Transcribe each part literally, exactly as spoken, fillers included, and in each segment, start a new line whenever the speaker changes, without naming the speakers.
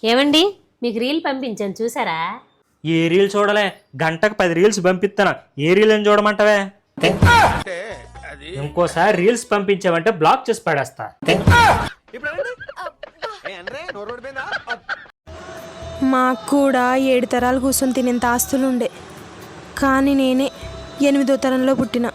ఏమండి మీకు రీల్ పంపించాను చూసారా?
ఏ రీల్ చూడలే, గంటకు పది రీల్స్ పంపిస్తాను. ఏ రీల్ అని చూడమంటావే? ఇంకోసారి రీల్స్ పంపించావంటే బ్లాక్ చేసి పడేస్తా.
మాకు కూడా ఏడు తరాలు కూర్చొని తినేంత ఆస్తులుండే, కానీ నేనే ఎనిమిదో తరంలో పుట్టిన.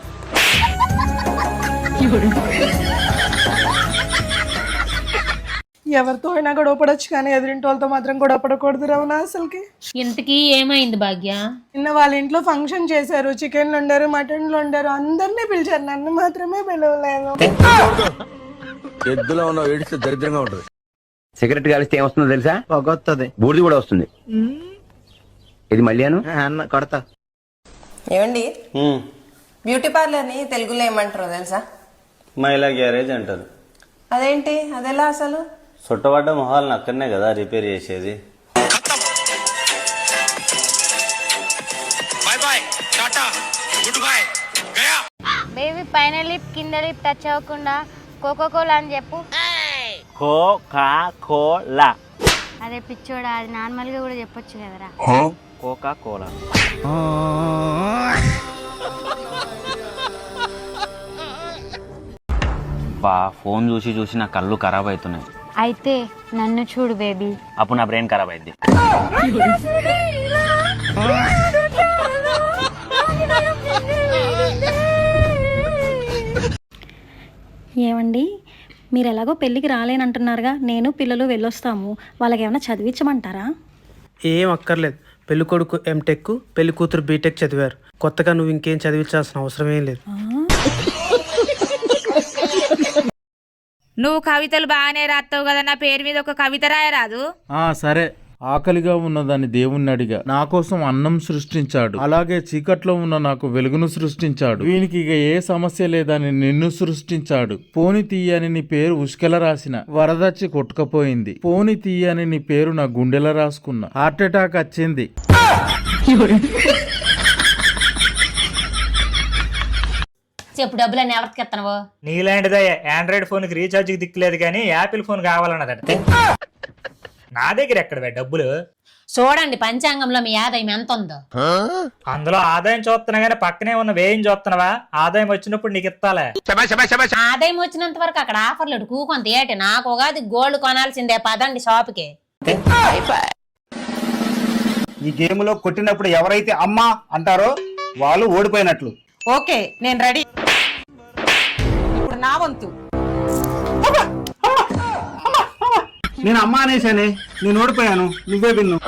ఎవరితో అయినా గొడవ పడొచ్చు కానీ ఎదురింటి వాళ్ళతో మాత్రం గొడవ పడకూడదు రమణ. అసలుకి
ఇంతకీ ఏమైంది భాగ్య?
నిన్న వాళ్ళ ఇంట్లో ఫంక్షన్ చేశారు, చికెన్లు వండారు, మటన్లు వండారు, అందరినీ పిలిచారు, నన్ను మాత్రమే పిలవలేదు.
ఎద్దులో ఉన్న ఏడిస్తే దరిద్రంగా ఉంటుంది. సిగరెట్ కాలిస్తే ఏమొస్తుందో తెలుసా? పొగొస్తుంది, బూడిది కూడా వస్తుంది. ఇది మళ్ళీ అన్న కొడతా.
ఏమండి, బ్యూటీ పార్లర్ ని తెలుగులో ఏమంటారో తెలుసా?
మహిళా గ్యారేజ్ అంటారు.
అదేంటి, అదెలా అసలు?
చుట్టబడ్డ మొహాలను అక్కడనే కదా రిపేర్ చేసేది.
బేబీ పైన లిప్ కింద లిప్ టచ్ అవ్వకుండా కోకో కోలా అని చెప్పు.
Coca Cola.
అదే పిచ్చోడా, అది నార్మల్ గా కూడా చెప్పొచ్చు కదరా.
Coca Cola.
బా ఫోన్ చూసి చూసి నా కళ్ళు ఖరాబ్ అవుతున్నాయి.
అయితే నన్ను చూడు బేబీ.
అప్పుడు నా బ్రెయిన్ ఖరాబ్ అయింది.
ఏమండి, మీరు ఎలాగో పెళ్ళికి రాలేనంటున్నారుగా, నేను పిల్లలు వెళ్ళొస్తాము. వాళ్ళకి ఏమైనా చదివించమంటారా?
ఏం అక్కర్లేదు. పెళ్లి కొడుకు ఎంటెక్, పెళ్లి కూతురు బీటెక్ చదివారు. కొత్తగా నువ్వు ఇంకేం చదివించాల్సిన అవసరం ఏం లేదు.
నువ్వు కవితలు బాగానే రాస్తావు కదా, నా పేరు మీద ఒక కవిత రాయరాదు?
ఆ సరే. ఆకలిగా ఉన్నదాన్ని దేవుణ్ణి అడిగా, నా కోసం అన్నం సృష్టించాడు. అలాగే చీకట్లో ఉన్న నాకు వెలుగును సృష్టించాడు. వీనికి ఇక ఏ సమస్య లేదని నిన్ను సృష్టించాడు. పోని తీయని నీ పేరు ఉష్కెల రాసిన, వరదచ్చి కొట్టుకపోయింది. పోని తీయని నీ పేరు నా గుండెల రాసుకున్నా, హార్ట్ అటాక్ వచ్చింది.
చెప్పు, డబ్బులన్నీ ఎవరికి ఎత్తనవు?
నీలాంటిదే ఆండ్రాయిడ్ ఫోన్ కి రీఛార్జ్ కి దిక్కులేదు కానీ యాపిల్ ఫోన్ కావాలన్నదట. నా దగ్గర ఎక్కడ డబ్బులు?
చూడండి పంచాంగంలో మీ ఆదాయం ఎంత ఉందో.
అందులో ఆదాయం చూస్తున్నా గానీ పక్కనే ఉన్న వ్యయం చూస్తున్నావా? ఆదాయం వచ్చినప్పుడు నీకు ఇస్తాలే.
ఆదాయం వచ్చినంత వరకు అక్కడ ఆఫర్లు కూకొంత ఏటి. నాకు ఉగాది గోల్డ్ కొనాల్సిందే, పదండి షాప్కి.
ఈ గేమ్ లో కొట్టినప్పుడు ఎవరైతే అమ్మా అంటారో వాళ్ళు ఓడిపోయినట్లు.
ఓకే, నేను రెడీ. ఇప్పుడు నా వంతు.
నేను అమ్మా అనేసానే, నేను ఓడిపోయాను, నువ్వే విన్ను.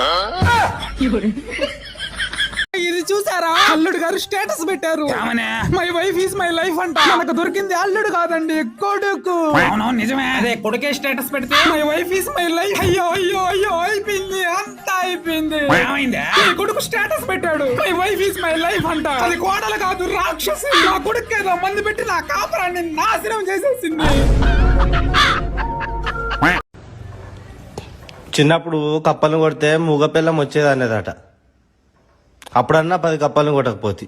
ఇది చూసారా? అల్లుడు గారు స్టేటస్ పెట్టారు, my wife is my life అంట. మనకు దొరికింది అల్లుడు కాదండి, కొడుకు. నిజమే, అదే కొడుకే స్టేటస్ పెడితే my wife is my life. అయ్యో అయ్యో అయ్యో, అయిపోయింది, అంతా అయిపోయింది. కొడుకు స్టేటస్ పెట్టాడు, my wife is my life అంట. అది కోడలు కాదు, రాక్షసి. నా కొడుకు ఏదో మంది పెట్టి నా కాపురాన్ని నాశనం చేసేసింది.
చిన్నప్పుడు కప్పలను కొడితే మూగ పిల్లం వచ్చేది అనేదట. అప్పుడన్నా పది కప్పలను కొట్టకపోతే.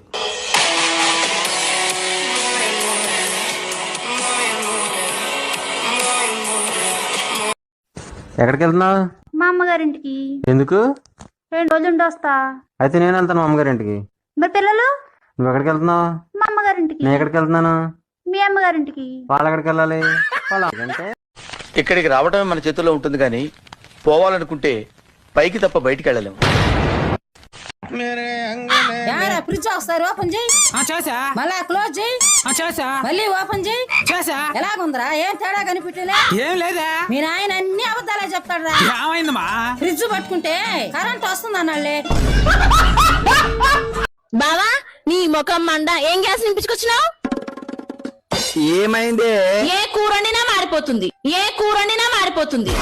ఎక్కడికి వెళ్తున్నావు?
మా అమ్మగారింటికి.
ఎందుకు?
రెండు రోజులు ఉండి వస్తా.
అయితే నేను వెళ్తాను అమ్మగారింటికి.
మరి పిల్లలు?
నువ్వు ఎక్కడికి వెళ్తున్నావు?
మా అమ్మగారింటికి.
నేను ఎక్కడికి వెళ్తున్నాను?
మీ అమ్మగారింటికి.
వాళ్ళు ఎక్కడికి వెళ్ళాలి?
ఇక్కడికి రావడమే మన చేతుల్లో ఉంటుంది కానీ పోవాలనుకుంటే పైకి తప్ప బయటికి వెళ్ళలేము.
ఫ్రిడ్జ్ ఒకసారి ఓపెన్ చేయి. మళ్ళా క్లోజ్ చేయి. మళ్ళీ ఓపెన్ చేయి. ఎలాగుందిరా? ఏం తేడా కనిపించలే? ఏం లేదా? మీ నాయన అన్ని అబద్ధాలే చెప్తాడు రా. ఏమైందమ్మా? ఫ్రిడ్జ్ పట్టుకుంటే కరెంట్ వస్తుంది అన్నాళ్ళే.
బావా, నీ ముఖం మండ, ఏం గ్యాస్ నింపించుకొచ్చినావు?
ఏమైంది?
ఏ కూర వండినా మారిపోతుంది, ఏ కూర వండినా మారిపోతుంది.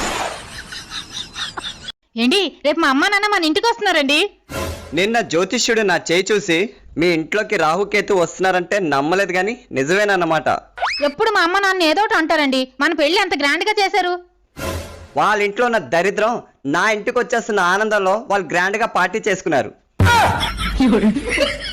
ఏంటి, రేపు మా అమ్మ నాన్న మన ఇంటికి వస్తున్నారండి.
నిన్న జ్యోతిష్యుడు నా చేయి చూసి మీ ఇంట్లోకి రాహుకేతు వస్తున్నారంటే నమ్మలేదు గాని నిజమేనన్నమాట.
ఎప్పుడు మా అమ్మ నాన్న ఏదో ఒకటి అంటారండి. మన పెళ్లి అంత గ్రాండ్ గా చేశారు.
వాళ్ళ ఇంట్లో ఉన్న దరిద్రం నా ఇంటికి వచ్చేస్తున్న ఆనందంలో వాళ్ళు గ్రాండ్ గా పార్టీ చేసుకున్నారు.